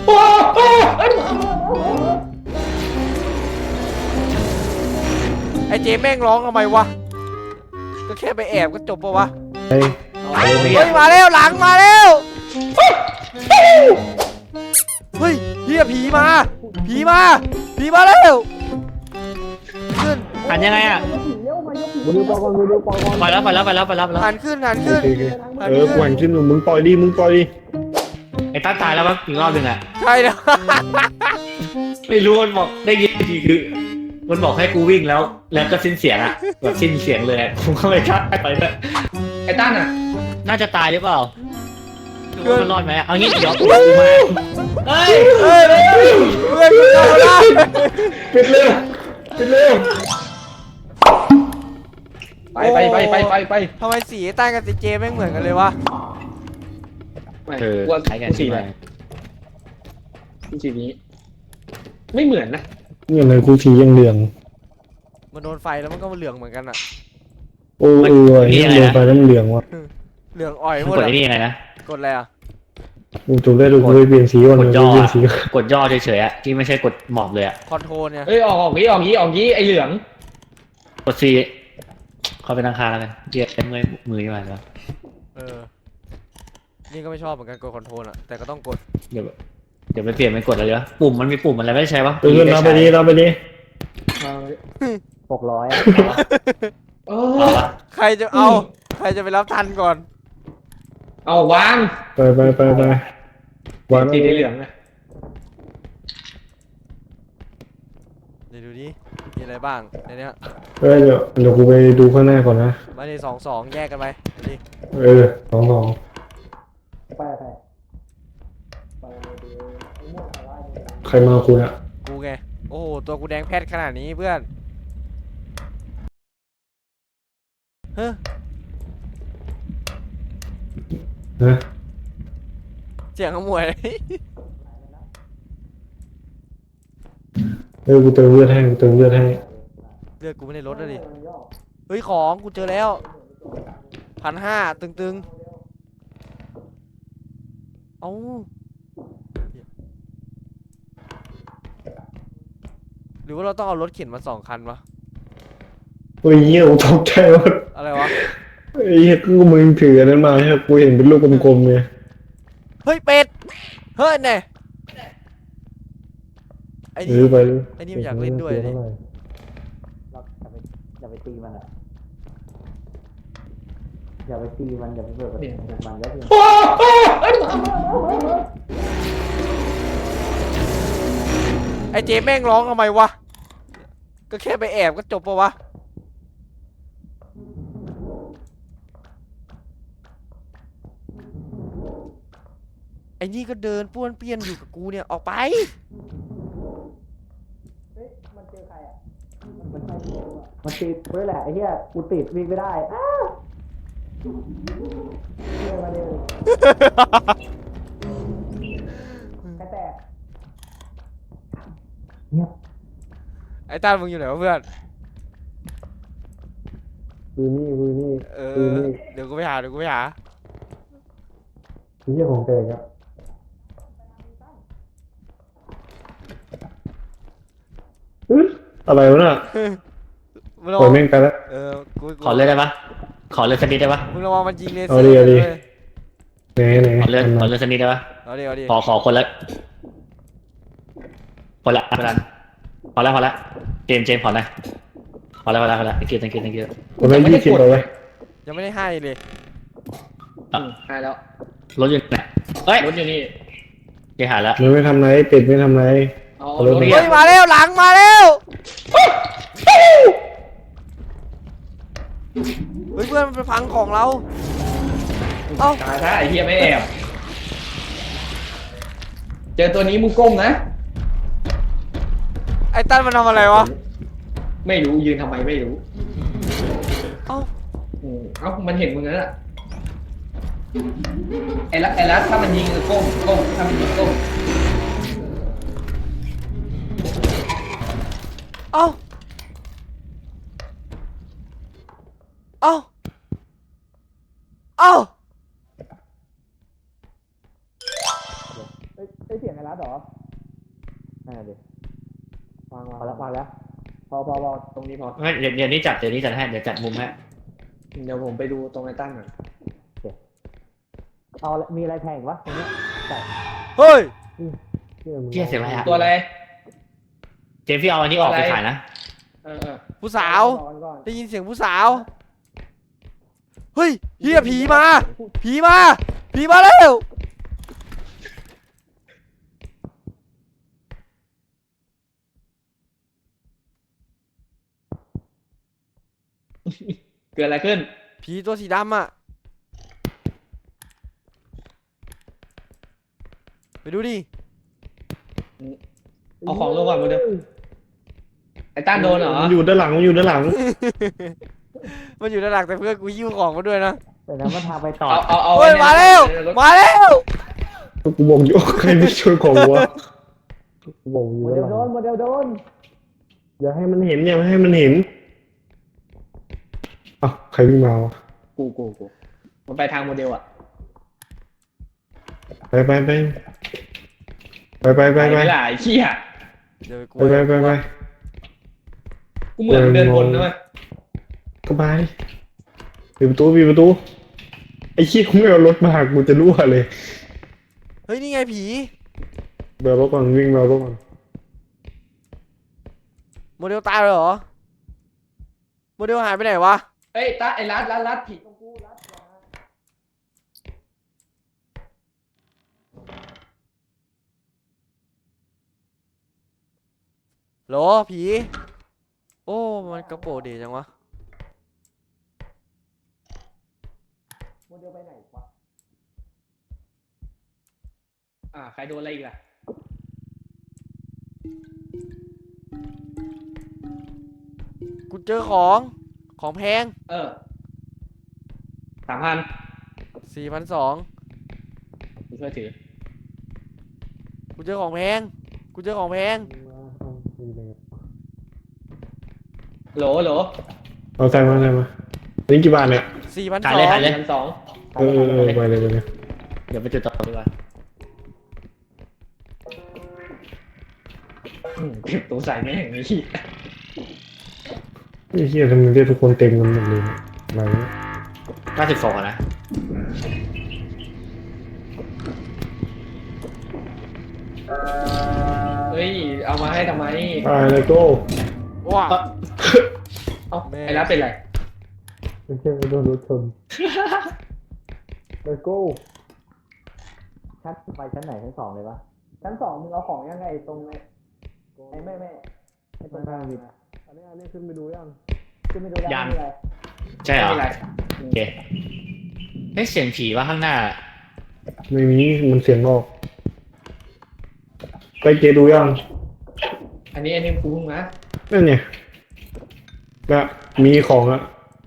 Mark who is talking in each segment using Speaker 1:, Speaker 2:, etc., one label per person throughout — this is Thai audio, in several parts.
Speaker 1: ไอเจแม่งร้องทำไมวะก็แค่ไปแอบก็จบปะวะ
Speaker 2: เฮ้ย
Speaker 1: มาแล้วหลังมาแล้วเฮ้ยเฮียผีมาแล้วขึ้น
Speaker 3: หันยังไงอ่ะ
Speaker 2: มึงดูปอก่อนมึงดูปอก่อน
Speaker 3: ไปแล้ว
Speaker 1: หันขึ้น
Speaker 2: โอเคกูหันขึ้นมึงปล่อยดิ
Speaker 3: ไอ้ต้าตายแล้วมั้งอีกรอบนึงอ่ะ
Speaker 1: ใช่แล้ว
Speaker 3: ไม่รู้มันบอกได้ยินทีคือมันบอกให้กูวิ่งแล้วก็สิ้นเสียงอ่ะแบบสิ้นเสียงเลยผมก็เลยชักไปเลยไอ้ต้านอ่ะน่าจะตายหรือเปล่าดูว่ามันรอดไหมเอางี้เดี๋ยวกูมาเฮ้ย
Speaker 1: เพื่อนกูเข้ามาได้
Speaker 2: ปิดเร็ว
Speaker 4: ไป
Speaker 1: ทำไมสีใต้กับสีเจแม่งเหมือนกันเลยวะ
Speaker 3: ว่าใช้กันสีไหน
Speaker 4: สีนี้ไม่เหมือนนะ
Speaker 2: นี่อะไรกูสียังเหลือง
Speaker 1: มันโดนไฟแล้วมันก็เหลืองเหมือนกันอะ
Speaker 2: โอ้ยังโดนไฟแล้วมันเหลืองว่ะ
Speaker 1: เหลืองอ่อยหมด
Speaker 3: กดไอ้นี่ไงนะ
Speaker 1: กดอะไรอะ
Speaker 2: กูถูกได้ดูกูไปเปลี่ยนสีก่อน
Speaker 3: กดย่อเฉยๆอ่ะที่ไม่ใช่กดหมอบเลยอ่ะ
Speaker 1: คอนโทรลเนี่ย
Speaker 4: เฮ้ยออกงี้ไอเหลือง
Speaker 3: กดซีเข้าไปนั่งคาแล้วกันเจี๊ยบมือยังไงวะ
Speaker 1: นี่ก็ไม่ชอบเหมือนกันกดคอนโทรลอะแต่ก็ต้องกด
Speaker 3: เดี๋ยวไปเปลี่ยนเป็นกดอะไรวะปุ่มมันมีปุ่มอะไรไม่ใช่ปะ
Speaker 2: เราไปดี
Speaker 3: 600อ่ะ
Speaker 1: ใครจะไปรับทันก่อน
Speaker 4: เอาวาง
Speaker 2: ไปวาง
Speaker 4: สีเหลืองนะ
Speaker 1: เดี๋ยวดูดิมีอะไรบ้างในนี้
Speaker 2: เดี๋ยวกูไปดูข้างหน้าก่อนนะ
Speaker 1: มาดิ2 แยกกันไปดิ
Speaker 2: 2ใครมาคุณอะ
Speaker 1: กูไงโอ้โหตัวกูแดงแพทขนาดนี้เพื่อนเฮ้ยเสียงขโมย
Speaker 2: กูเติมเลือดให้
Speaker 1: เลือดกูไม่ได้ลดเลยดิเฮ้ยของกูเจอแล้ว1,500ตึงเอ้าหรือว่าเราต้องเอารถเข็นมา2 คันวะ
Speaker 2: เฮ้ยกูตกใจว่า
Speaker 1: อะไรวะ
Speaker 2: กูมึงถืออันนั้นมาใช่กูเห็นเป็นลูกกลมๆเลย
Speaker 1: เฮ้ยเป็ดเฮ้ยเนี่ยไอ้นี่มันอยากเล่นด้วยนี่
Speaker 3: อย่าไปตีมันอ่ะอย่าไปตีมันอย่าไปเปิดมันแล้ว
Speaker 1: ไอ้เจแม่งร้องทำไมวะก็แค่ไปแอบก็จบปะวะไอ้นี่ก็เดินป้วนเปี้ยนอยู่กับกูเนี่ยออกไป
Speaker 3: มันเจอใครอ่ะมันติดด้วยแหละไอ้เหี้ยกูติดวิ่งไม่ได้มาเร็วใครแตกเงียบ
Speaker 1: ไอ้ต้านมึงอยู่ไหนวะเพื่อน
Speaker 2: คือนี่
Speaker 1: เดี๋ยวกูไปหา
Speaker 2: นี่ของแกครับอะไรวะน่ะปล่อยแม่งไปแล้ว
Speaker 3: ขอเลยได้ปะขอเลยสนิทได้ปะ
Speaker 1: มึงระวังมันยิงเลเซอ
Speaker 2: ร์เอาดิไหน
Speaker 3: ขอเลยสนิทได้ปะ
Speaker 1: เอาดิ
Speaker 3: ขอคนละพอแล้วเจมพอนะพอแล้วthank you
Speaker 2: ผมไม่20เอาไว้
Speaker 1: ยังไม่ได้ให้เลย
Speaker 4: ให้แล้ว
Speaker 3: รถอยู่ไหนเฮ้ย
Speaker 4: รถอยู่นี่
Speaker 3: แกหายแล้ว
Speaker 2: มันไม่ทำไรเป็ดไม่ทำไร
Speaker 1: เฮ้ยมาแล้วหลังมาแล้วเฮ้ยเพื่อนมันไปพังของเรา
Speaker 4: ตายถ้าไอ้เหี้ยไม่แอบเจอตัวนี้มึงก้มนะ
Speaker 1: ไอ้ตั้นมันทำอะไรวะ
Speaker 4: ไม่รู้ยืนทำไมไม่รู้
Speaker 1: เอ้า
Speaker 4: มันเห็นมึงแล้วล่ะไอ้รัฐถ้ามันยิงก้มถ้ามันยิงก้ม
Speaker 1: เอ้า
Speaker 4: ได้เสียงไอ้รัดเหรอนั่นดิวางแล้วพอตรงนี้พอ
Speaker 3: ไม่เดี๋ยวนี้จัดให้เดี๋ยวจัดมุมให้
Speaker 4: เดี๋ยวผมไปดูตรงไอ้ตั้นหน่อย
Speaker 5: เอามีอะไรแพงวะตรงนี้
Speaker 1: เฮ้ย
Speaker 3: เชี่ยเสียงอะไรอะ
Speaker 4: ตัวอะไร
Speaker 3: เจมส์พี่เอาอันนี้ออกไปขายนะ
Speaker 4: เออ
Speaker 1: ผู้สาว ได้ยินเสียงผู้สาว เฮ้ยเฮียผีมา ผีมาแล้ว
Speaker 4: เกิดอะไรขึ้น
Speaker 1: ผีตัวสีดำอ่ะ ไปดูดิ
Speaker 4: เอาของลงก่อนมาเดี๋ยวไอ้ตั้นโดนเหรอ
Speaker 2: มันอยู่ด้านหลังมันอยู่ด้านหลัง
Speaker 1: มันอยู่ด้านหลังแต่เพื่อนกูหิ้วของมาด้วยนะ
Speaker 5: แต่นั้นมันทางไปต่อ
Speaker 4: เอา
Speaker 1: เฮ้ยมาแล้ว
Speaker 2: กูบอกอยู่ใครไม่ช่วยของวะกูบอกอยู่
Speaker 5: โม
Speaker 2: ด้าน
Speaker 5: เดล
Speaker 2: หลัง
Speaker 5: โดน
Speaker 2: อย่าให้มันเห็นอย่าให้มันเห็นอ่ะใครวิ่งมาวะ
Speaker 4: กูมันไปทางโมเดลอ่ะ
Speaker 2: ไปไป
Speaker 4: ไปไม่ได้ไอ้เหี้ย
Speaker 1: เดี๋ยวกู
Speaker 2: ไป
Speaker 4: กูเหมือนเดินวนนะเว้ย
Speaker 2: ก็ไปปิดประตูไอ้ขี้ยกูไม่เอารถมากูจะรั่วเลย
Speaker 1: เฮ้ยนี่ไงผี
Speaker 2: เบลรถก่อนวิ่งเบลรถก่อน
Speaker 1: โมเดลตายเลยเหรอ โมเดลหายไปไหนวะ
Speaker 4: เอ้ยตาไอ้รัดผีตรงกูรัด
Speaker 1: โหลผี โอ้ มันกระโปรงดีจังวะ
Speaker 4: โมเดลไปไหนวะใครโดนอะไรอีกล่ะ
Speaker 1: กูเจอของแพง
Speaker 4: 3,000
Speaker 1: 4,200
Speaker 4: กูช่วยถือ
Speaker 1: กูเจอของแพง
Speaker 4: โหล
Speaker 2: เอาใส่มานี่กี่บาทเนี่ย
Speaker 3: ขายเลย
Speaker 4: 1,200
Speaker 2: ไปเลย
Speaker 3: เดี๋ยวไปจุดต่อดีกว่า
Speaker 4: เก็บตัวใส่แม่งไอ้เหี้ย
Speaker 2: ไอ้เหี้ยทำไมเรียกทุกคนเต็มกันหมดเลยอะไรเนี่ย
Speaker 3: 92อะนะ
Speaker 4: เฮ้ยเอามาให้ทำไม
Speaker 2: ไปเลยโก้
Speaker 1: ว้า
Speaker 4: เอ้าไอ้รัดเป็นไร
Speaker 2: ไม่ใช่ไม่โดนรถชนเลยโก้
Speaker 5: ชั้นไปชั้นไหนชั้น 2เลยปะ
Speaker 4: ชั้น 2มึงเอาของยังไงตรงไอ้แม่ไอ้ตรงกลาง
Speaker 2: อันนี้ขึ้นไปดูยัง
Speaker 4: ขึ้นไม่ดูได้
Speaker 3: ยัง
Speaker 4: ไม่เป็นไร
Speaker 3: ใช่เหรอ
Speaker 4: ไม่เป็นไร
Speaker 3: โอเคเฮ้ยเสียงผีว่าข้างหน้า
Speaker 2: ไม่มีมันเสียงออกไปเจดูยัง
Speaker 4: อันนี้กูเพิ่งมา
Speaker 2: นั่นเนี่ยก็มีของอะ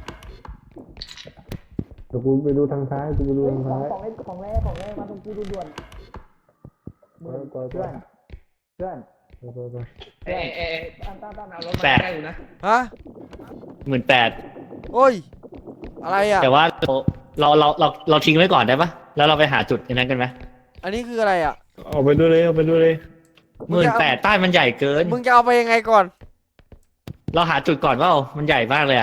Speaker 2: เดี๋ยวกูไปดูทางซ้ายกูไปดูทางซ้าย
Speaker 5: ของแร่มาตรงกูด่วนๆเพื่อน
Speaker 2: ไป
Speaker 4: เอ้ตั้นเอารถมาใกล้กูนะ
Speaker 1: ฮะ
Speaker 3: 18,000
Speaker 1: โอ้ย อะไรอ่ะ
Speaker 3: แต่ว่าเราทิ้งไว้ก่อนได้ปะแล้วเราไปหาจุดนั้นกันไหม
Speaker 1: อันนี้คืออะไรอ่ะ
Speaker 2: เอาไปด้วยเลย
Speaker 3: 18,000ป้ายมันใหญ่เกิน
Speaker 1: มึงจะเอาไปยังไงก่อน
Speaker 3: เราหาจุดก่อนว่ามันใหญ่มากเลยอะ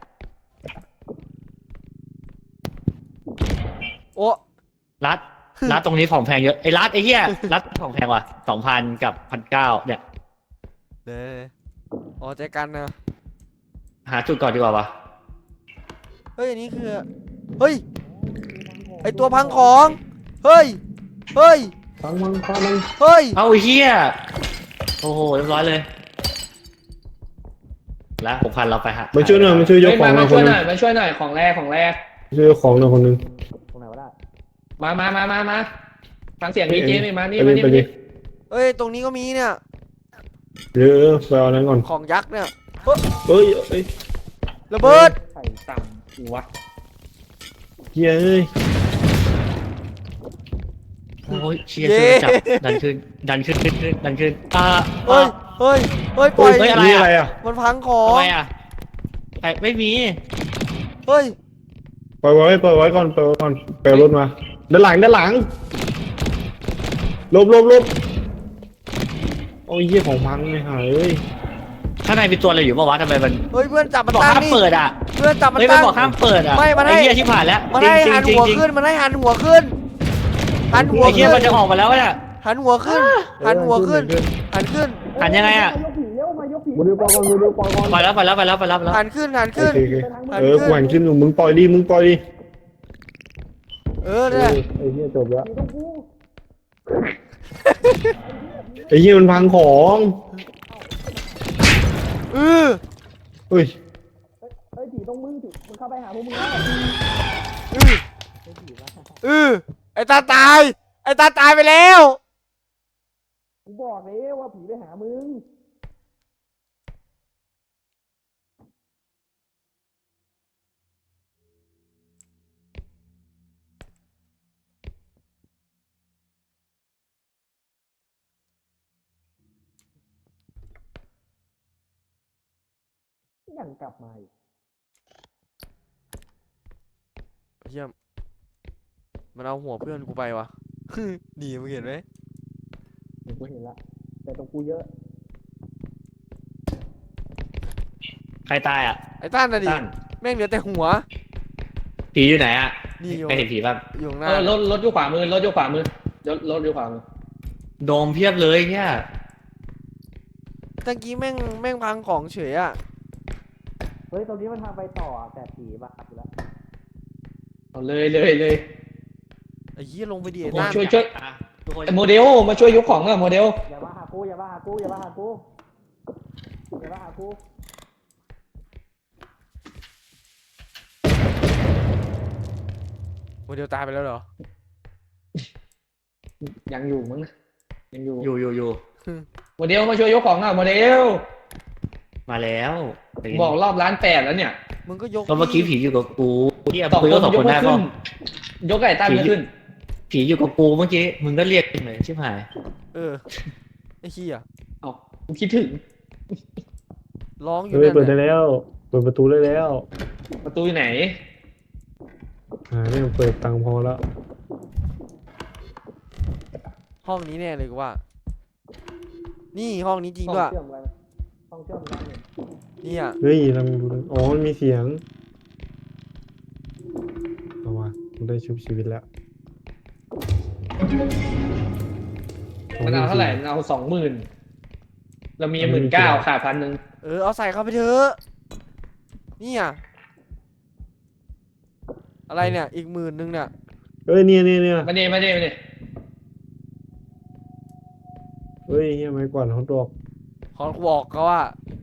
Speaker 1: โอ้
Speaker 3: รัดตรงนี้ของแพงเยอะไอ้รัดไอ้เหี้ยรัดของแพงว่ะ 2,000 กับ 1,900 เนี่ย
Speaker 1: เด้อ๋อใจกันนะ
Speaker 3: หาจุดก่อนดีกว่าวะ
Speaker 1: เฮ้ย อันนี้คือ เฮ้ย ไอตัวพังของ เฮ้ย
Speaker 2: ฟังมัน
Speaker 1: เฮ้ย
Speaker 3: เอาไอ้เหี้ยโอ้โหเรียบร้อยเลยแล้ว 6,000 เราไปหา
Speaker 2: มาช่วยหน่อยมาช่วยยกของหน่
Speaker 4: มา
Speaker 2: อยค
Speaker 4: ช่วน ย
Speaker 2: นึ
Speaker 4: ห
Speaker 2: ง
Speaker 4: น่อยมาช่วยหน่อยของแรก
Speaker 2: ช่วยยกของหน่อยคนนึง
Speaker 5: ตรงไหนวะได้
Speaker 4: มาฟังเสียงดีเจนี่มานี่
Speaker 2: ไป
Speaker 4: มา
Speaker 2: ดิ
Speaker 4: นี่
Speaker 2: ไปดิ
Speaker 1: เฮ้ย ตรงนี้ก็มีเนี่ย
Speaker 2: เดี๋ยวไปเอานั้นก่อน
Speaker 1: ของยักษ์เนี่ย
Speaker 2: เอ้ย
Speaker 1: ระเบิด
Speaker 4: ใส่ต่ำกูวะ
Speaker 2: เฮ้ย
Speaker 3: โอ้ยเชียร์ช่วยจับดันขึ้นดันขึ้น
Speaker 1: เฮ้ย เฮ้ย เฮ้ย ปล่อย
Speaker 3: เฮ้ย
Speaker 2: นี่อะไรอ่ะ
Speaker 1: มันพังของ
Speaker 3: ทำไมอ่ะไม่มี
Speaker 1: เฮ้ย
Speaker 2: ปล่อยไว้ก่อนไปเอารถมาด้านหลังหลบโอ้ยเหี้ยของพังเลยหายเอ้ย
Speaker 3: ข้างในมีตัวอะไรอยู่ปะวะทำไมมัน
Speaker 1: เฮ้ยเพื่อนจับมัน
Speaker 3: บอก
Speaker 1: ตั้ง
Speaker 3: ห้าม
Speaker 1: นี่
Speaker 3: เปิดอ่ะ
Speaker 1: เพื่อนจับมัน
Speaker 3: เฮ้ยมัน
Speaker 1: ตั้ง
Speaker 3: บอกห้ามเปิดอ่ะ
Speaker 1: ไม่มันให้
Speaker 3: ไอ้เหี้ยที่ผ่านแล้ว
Speaker 1: มัน
Speaker 3: จริง
Speaker 1: ให้
Speaker 3: จริง
Speaker 1: หัน
Speaker 3: จริง
Speaker 1: หัว
Speaker 3: จริง
Speaker 1: ขึ้นมันให้หันหัวขึ้นหันหัว
Speaker 3: ไอ้เหี้
Speaker 1: ขึ้
Speaker 3: ย
Speaker 1: น
Speaker 3: มันจะออกมาแล้วเนี่ย
Speaker 1: หันหัวขึ้นหันหัวขึ้นหันขึ้น
Speaker 3: หันยังไงอ่ะ
Speaker 5: มายกผีเร็วมายกผี
Speaker 2: มาดูปอก่อน
Speaker 3: ไปแล้วไปแล้วไปแล้วไปแล้วไปแล้ว
Speaker 1: หันขึ้นหัน
Speaker 2: โอ
Speaker 1: ขึ้น
Speaker 2: เคกูหันขึ้นมึงปล่อยดิ
Speaker 1: เออเนี่ย
Speaker 2: ไอ้เหี้ยจบแล้ว
Speaker 5: ผีต้องกู
Speaker 2: ไอ้เหี้ยมันพังของ
Speaker 1: เออ
Speaker 2: เฮ้ย
Speaker 5: เฮ้ยผีต้องมึงผีมึงเข้าไปหาพวกมึงแล้ว
Speaker 1: ไอ้ตาตายไอ้ตาตายไปแล้ว
Speaker 5: กูบอกเลยว่าผีไปหามึง ยังกลับมาอีก
Speaker 1: เยี่ยมมันเอาหัวเพื่อนกูไปวะ หนีมึงเห็นไหม
Speaker 5: กูเห็นละแต่ตรงกูเยอะ
Speaker 3: ใครตายอ่ะ
Speaker 1: ไอ้ต้านน่ะดิ
Speaker 3: ตั้น
Speaker 1: แม่งเหลือแต่หัว
Speaker 3: ผีอยู่ไหนอ่ะ
Speaker 1: นี่อยู่
Speaker 3: ไม่เห็นผีบ้าง
Speaker 1: อยู่ข้างห
Speaker 4: เอ
Speaker 1: น้า
Speaker 4: อรถอยู่ขวามือรถอยู่ขวามือรถอยู่ขวามือ
Speaker 3: โดมเพียบเลยเนี่ย
Speaker 1: ตะกี้แม่งพังของเฉยอ่ะ
Speaker 5: เฮ้ยตรงนี้มันทางไปต่ออะแต่ผีบ้าไปแล้ว
Speaker 4: เอาเลย
Speaker 1: ไอ้เหี้ยลงไปดิไอ้
Speaker 4: โอ้
Speaker 1: ต้าน
Speaker 4: ช่วย
Speaker 3: อ่ะทุกคน
Speaker 4: ไอ้โมเดลมาช่วยยกของอะโมเดล
Speaker 5: อย่ามาหากูอย่ามาหากูอย่ามาหากูอย่ามาหากู
Speaker 1: โมเดลตายไปแล้วเหรอ
Speaker 4: ยังอยู่มั้งนะยังอยู่
Speaker 3: อยู่
Speaker 4: โมเดลมาช่วยยกของอะโมเดล
Speaker 3: มาแล้ว
Speaker 4: บอกรอบล้าน8แล้วเนี่ย
Speaker 1: มึงก็ยก
Speaker 3: ก็เมื่อกี้ผีอยู่กับกูที่
Speaker 4: สอง
Speaker 3: คุย
Speaker 4: ค
Speaker 3: ก็
Speaker 4: น
Speaker 3: สอง
Speaker 4: ย
Speaker 3: ค
Speaker 4: ก
Speaker 3: น
Speaker 4: ไม่
Speaker 3: ได้
Speaker 4: ขึ้
Speaker 3: ป่ะ
Speaker 4: นยกไก่ตั้งไม่ขึ้น
Speaker 3: ผีอยู่กับกูเมื่อกี้มึงก็เรียกเหมือนชิบหาย
Speaker 1: เออไอ้เหี้ย
Speaker 4: เอ้ากูคิดถึง
Speaker 1: ร้องอยู่
Speaker 2: เฮ้ย
Speaker 1: นั่น
Speaker 2: เปิดได้
Speaker 1: น่ะ
Speaker 2: แล้วเปิดประตูได้แล้ว
Speaker 4: ประตูอยู่ไหน
Speaker 2: เนี่ยเปิดตังค์พอแล้ว
Speaker 1: ห้องนี้แน่เลยกูว่า นี่ห้องนี้จริง
Speaker 5: ห้อง
Speaker 1: ด้วย
Speaker 5: เชื่อมกันห้องเชื่อมกันเนี่ย
Speaker 1: นี่อ่ะ
Speaker 2: เฮ้ยลองดูอ๋อมันมีเสียงเอาว่ะกูได้ชุบชีวิตแล้ว
Speaker 4: มันเอาเท่าไหร่มันเอา20,000เรามี19,000ขาด1,000
Speaker 1: เออเอาใส่เข้าไปเถอะนี่อ่ะอะไรเนี่ยอีก10,000เนี่ย
Speaker 2: เอ้ยเนี่ย
Speaker 4: มาเน่
Speaker 2: เฮ้ยเฮียไม่กวาดเขาดอก
Speaker 1: ขอกูบอกเขาว่า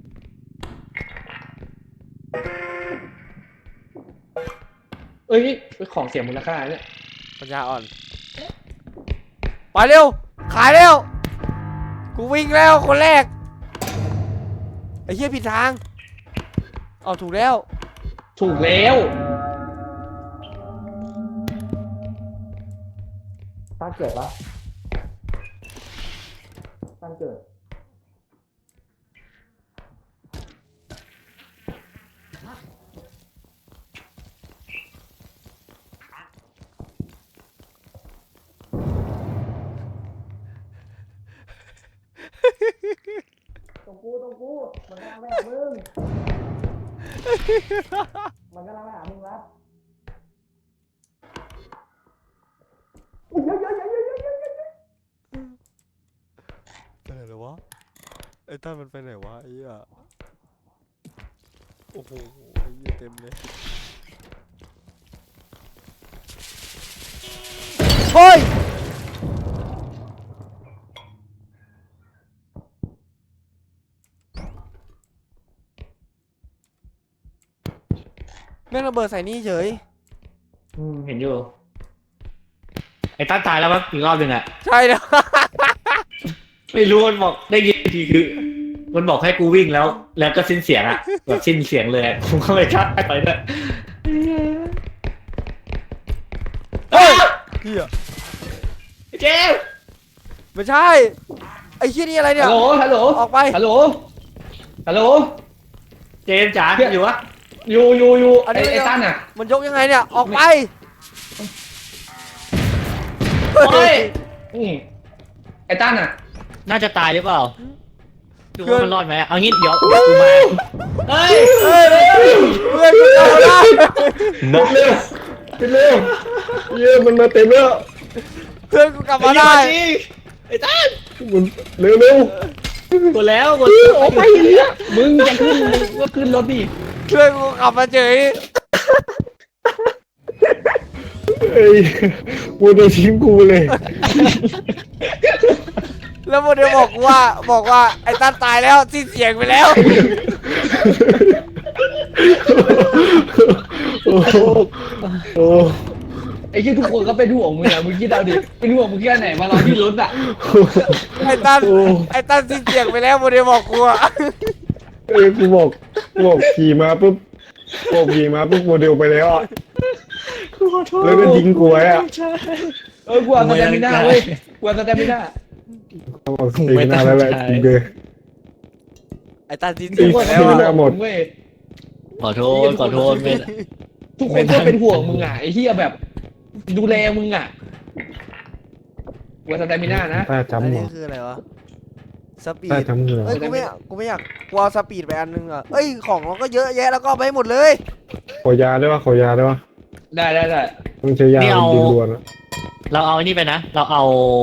Speaker 4: เอ้ยของเสียมูลค่าเนี่ย
Speaker 1: ปัญญาอ่อนไปเร็วขายเร็วกูวิ่งแล้วคนแรกไอ้เหี้ยผิดทางเอาถูกแล้ว
Speaker 4: ถูกแล้ว
Speaker 5: ตั้งเกิดปะตั้งเกิดตรงกูมันกำลังไปหามึงมันกำลังไปหามึงรับอุ๊ยเยอะ
Speaker 1: ไปไหนแล้ววะไอ้ต้ามันไปไหนวะไอ้เหี้ยโอ้โหไอ้เหี้ยเต็มเลยเฮ้ยแม่งระเบิดใส่นี่เฉย
Speaker 3: เห็นอยู่ไอ้ตั้นตายแล้วมั้งอีกรอบหนึ่งอ่ะ
Speaker 1: ใช่แล้ว
Speaker 3: ไม่รู้มันบอกได้ยินทีคือ มันบอกให้กูวิ่งแล้ว แล้วก็สิ้นเสียงอ่ะแบบสิ้นเสียงเลยอะกูก็ไม่กล้าไปด้วย
Speaker 1: เฮ้ยเฮีย
Speaker 3: เจมส์
Speaker 1: ไม่ใช่ไอ้เฮียนี่อะไรเนี่ย
Speaker 4: ฮัลโหล
Speaker 1: ออกไป
Speaker 4: ฮัลโหล
Speaker 3: เจมส์จ๋าอยู่วะ
Speaker 4: อยู่
Speaker 1: อันนี้
Speaker 4: ไอ้ตั้นอ่ะ
Speaker 1: มันยกยังไงเนี่ยออกไป
Speaker 3: โอ้ย
Speaker 4: นี่
Speaker 3: ไอ้ตั้นอ่ะ น่าจะตายหรือเปล่าดู
Speaker 1: เพื่อน
Speaker 3: ว่ามันรอดไหมเอางี้เดี๋ยวกูมาเฮ้ย
Speaker 1: เฮ้ยเพื่อนกูกลับมาได้
Speaker 2: เร็วไปเร็วเยี่ยมันมาเต็มแล้ว
Speaker 1: เพื่อนกูกลับมาได้
Speaker 3: ไอ้ตั้น
Speaker 2: มันเร็วเร็ว
Speaker 3: กดแล้วกด
Speaker 2: ออกไปเนี่ย
Speaker 5: มึงจะขึ้นมึงก็ขึ้นรถดิ
Speaker 1: เพื่อนกูกลับมาเฉย
Speaker 2: เอ้ยกูโดนทิ้งกูเลย
Speaker 1: แล้วโมเดลบอกว่าไอ้ตั้นตายแล้วสิ้นเสียงไปแล้ว
Speaker 2: โอ้โหโอ้
Speaker 5: ไอ้ที่ทุกคนก็เป็นห่วงมึงอะมึงคิดเอาดิเป็นห่วงมึงแค่ไหนมารอที่รถอะ
Speaker 1: ไอ้ตั้นสิ้นเสียงไปแล้วโมเดลบอกกูอะ
Speaker 2: เอ้ยกูบอกขี่มาปุ๊บโมเดลไปแล้วอะแล้วก็ทิ้งกูไว้อะ
Speaker 5: กูเอาสแตมิน่าเว้ยกูเอาสแตมิน่า
Speaker 2: เขาบอกสตีนาแล้วแหละจริงเลย
Speaker 1: ไอ้ตั้นสิ้นเสียงไป
Speaker 2: ไอ้
Speaker 1: แล้ว
Speaker 2: สตี
Speaker 1: อะ
Speaker 2: น่าหมด
Speaker 5: เว้ย
Speaker 3: ขอโทษไม่
Speaker 5: ทุกคนก็เป็นห่วงมึงอะไอ้เหี้ยแบบ ดูแลมึงอะกูเอาสแตมิน่านะ
Speaker 2: ตา
Speaker 1: อัน
Speaker 2: จำหั
Speaker 1: นี้
Speaker 2: ว
Speaker 1: คืออะไรวะสปี
Speaker 2: ตา
Speaker 1: ด
Speaker 2: จำเหงื่อ
Speaker 1: เอ้ยกูไม่อยากกูเอาสปีดไปอันนึงอ่ะเอ้ยของเราก็เยอะแยะแล้วก็เอาไปให้หมดเลย
Speaker 2: ขอยาได้ปะขอยาได้ปะ
Speaker 5: ได้
Speaker 2: ต้องใช้ยาเป็นดินด่วนอะ
Speaker 3: เราเอาไอ้นี่ไปนะ เราเอา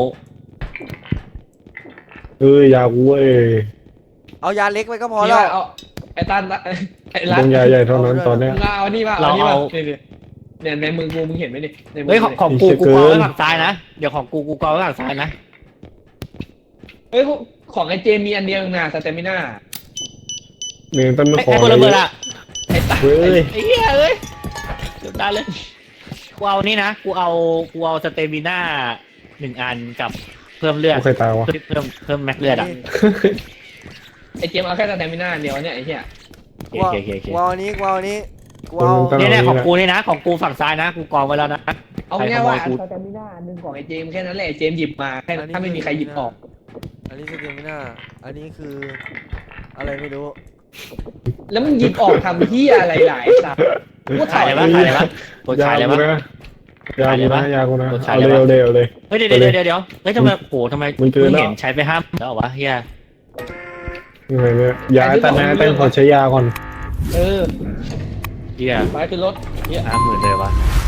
Speaker 2: ยากูเว้ย
Speaker 1: เอายาเล็กไปก็พอ
Speaker 5: พอ
Speaker 1: แล้
Speaker 5: แล้ว วเอาไอ้ตันไอ้รั
Speaker 2: ต้องยาใหญ่เท่านั้นตอนเนี้ย
Speaker 5: มึงเอานี่ป่ะเอานี่ป่ะเนี่ยในมือกูมึงเห็นไหมดิในมื
Speaker 3: เฮ้ย
Speaker 5: กู
Speaker 3: ของกูกองไว้ฝั่งซ้ายนะเดี๋ยวของกูกองไว้ฝั่งซ้ายนะ
Speaker 5: เฮ้ยของไอ้เจมีอันเดียวนะสเตมิน่า
Speaker 2: เนี่ยต้องมาขอ
Speaker 3: ไอ้คนละเบอร์อะ
Speaker 5: ไอ้ตัน
Speaker 2: เว้ย
Speaker 3: ไอ้เหี้ยเอ้ยเดี๋ยวได้เลยกูเอานี่นะกูเอาสเตมิน่า1 อันกับเพิ่มเลือด
Speaker 2: กูใครตายวะ
Speaker 3: เพิ่มแม็กเลือดอ่ะ
Speaker 5: ไอ้เจมเอาแค่สเตมิน่าเดียวเนี่ยไอ้เหี้ย
Speaker 1: กูเอากูเอาอันนี้กูเอาอันนี้กูเอา
Speaker 3: เนี่ยของกูนี่นะของกูฝั่งซ้ายนะกูกองไว้แล้วนะ
Speaker 5: เอาง่ายว่าสเตมิน่าอันนึงของไอ้เจมแค่นั้นแหละเจมหยิบมาแค่ถ้าไม่มีใครหยิบออก
Speaker 1: อันนี้สเตมิน่าอันนี้คืออะไรไม่รู้
Speaker 5: แล้วมึงหยิบออกทำเหี้ยอะไรหลายสัตว์กู
Speaker 3: ขาย
Speaker 5: ถ่าย
Speaker 3: อะไรบ้างกด
Speaker 2: ยา
Speaker 3: ขายอะไร
Speaker 2: กู
Speaker 3: บ้าง
Speaker 2: นะยากูนะยากูนะ
Speaker 3: กดขาย
Speaker 2: เอา
Speaker 3: อะไร
Speaker 2: เร็ว
Speaker 3: วะ
Speaker 2: เร็วเลย
Speaker 3: เฮ้ยเดี๋ยวเฮ้ยทำไมโหทำไม
Speaker 2: มึงเจอแล้ว
Speaker 3: เห็นใช้ไปห้ามแล้ววะเฮีย
Speaker 2: ยังไงเนี่ยยาแต่นะแต่ขอใช้ยาก่อน
Speaker 5: เออ
Speaker 3: เฮีย
Speaker 5: ไปขึ้นรถ
Speaker 3: เฮีย50,000เลยวะ